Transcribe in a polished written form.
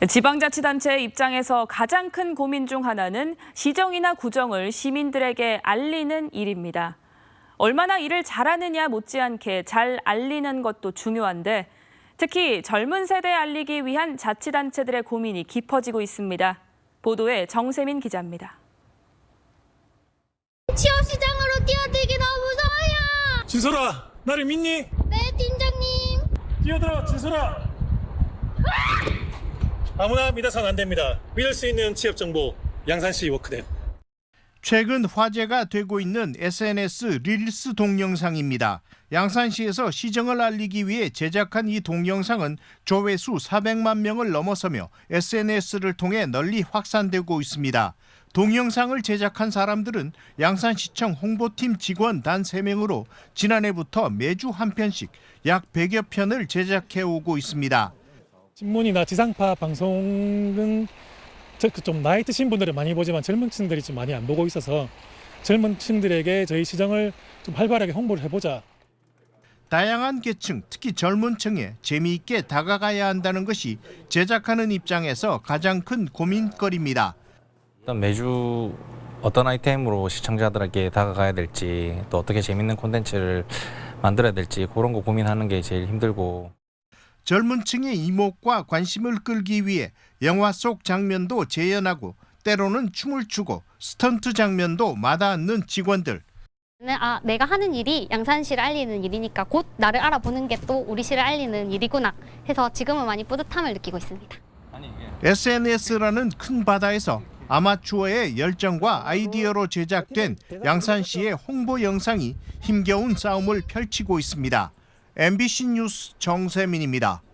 지방자치단체의 입장에서 가장 큰 고민 중 하나는 시정이나 구정을 시민들에게 알리는 일입니다. 얼마나 일을 잘하느냐 못지않게 잘 알리는 것도 중요한데 특히 젊은 세대에 알리기 위한 자치단체들의 고민이 깊어지고 있습니다. 보도에 정세민 기자입니다. 취업시장으로 뛰어들기 너무 무서워요. 진솔아, 나를 믿니? 네, 팀장님. 뛰어들어, 진솔아. 아무나 믿어서는 안 됩니다. 믿을 수 있는 취업 정보, 양산시 워크넷. 최근 화제가 되고 있는 SNS 릴스 동영상입니다. 양산시에서 시정을 알리기 위해 제작한 이 동영상은 조회수 400만 명을 넘어서며 SNS를 통해 널리 확산되고 있습니다. 동영상을 제작한 사람들은 양산시청 홍보팀 직원 단 3명으로 지난해부터 매주 한 편씩 약 100여 편을 제작해 오고 있습니다. 신문이나 지상파 방송은 좀 나이 드신 분들은 많이 보지만 젊은 층들이 좀 많이 안 보고 있어서 젊은 층들에게 저희 시정을 좀 활발하게 홍보를 해보자. 다양한 계층, 특히 젊은 층에 재미있게 다가가야 한다는 것이 제작하는 입장에서 가장 큰 고민거리입니다. 일단 매주 어떤 아이템으로 시청자들에게 다가가야 될지 또 어떻게 재밌는 콘텐츠를 만들어야 될지 그런 거 고민하는 게 제일 힘들고 젊은 층의 이목과 관심을 끌기 위해 영화 속 장면도 재현하고 때로는 춤을 추고 스턴트 장면도 마다않는 직원들. 내가 하는 일이 양산시를 알리는 일이니까 곧 나를 알아보는 게 또 우리 시를 알리는 일이구나 해서 지금은 많이 뿌듯함을 느끼고 있습니다. SNS라는 큰 바다에서 아마추어의 열정과 아이디어로 제작된 양산시의 홍보 영상이 힘겨운 싸움을 펼치고 있습니다. MBC 뉴스 정세민입니다.